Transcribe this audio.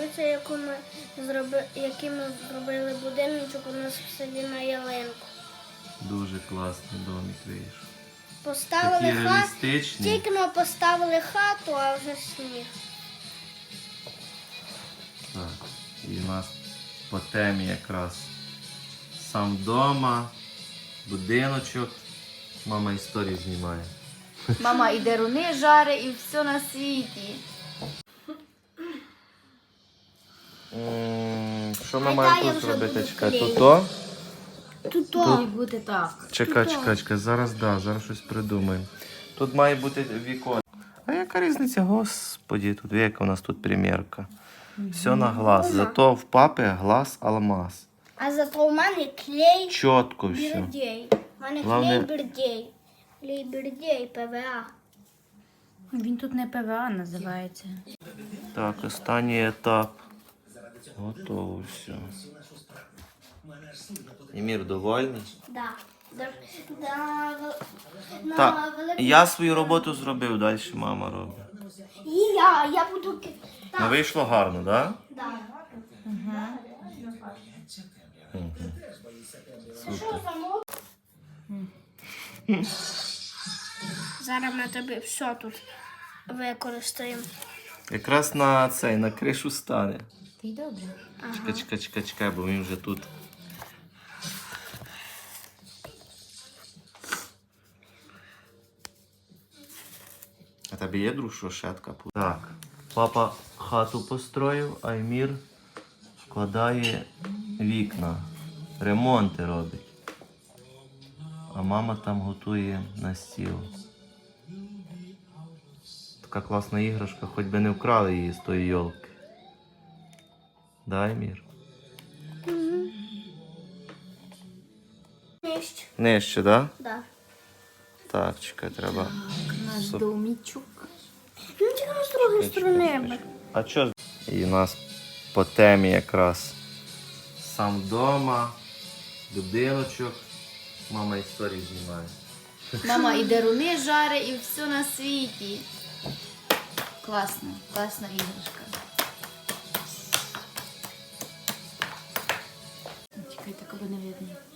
подобається, який ми зробили будиночок у нас в селі на ялинку. Дуже класний домик вийшов. Поставили Такі хату, реалістичні. тільки ми поставили хату, а вже сніг. Так, і у нас по темі якраз сам вдома, будиночок. Мама історію знімає. Мама і деруни жаре, і все на світі. Що ми А маємо я тут вже зробити? буду Чекай, клеїти. то? Тут Має бути так. Чекай, зараз щось придумаємо. Тут має бути вікон. А яка різниця, господі, тут яка у нас тут примірка. Все на глаз. Зато в папи глаз алмаз. А зато у мене клей Чітко все. бірдей. У мене Главне- клей бірдей. Клей бірдей, ПВА. Він тут не ПВА називається. Так, останній етап. Готово все. Емір довольний? Да. Так, я свою роботу зробив, далі мама робить. І я буду... Ну вийшло гарно, так? Да. Зараз ми тобі все тут використаємо. Якраз на кришу стане. Ти й добре. Чекай, бо він вже тут. А тебе є друшошетка? Так, папа хату построїв, а Емір складає вікна, ремонти робить. А мама там готує на стіл. Така класна іграшка, хоч би не вкрали її з тої йолки. Да, Емір? Нижче. Нижче, да? Да. Так, чекай, треба. Наш домічок. Ну тільки з другої сторони. А що? І у нас по темі якраз сам вдома, будиночок. Мама історію знімає. Мама і деруни жаре, і все на світі. Класно, класна іграшка. Чекай, так аби не видно.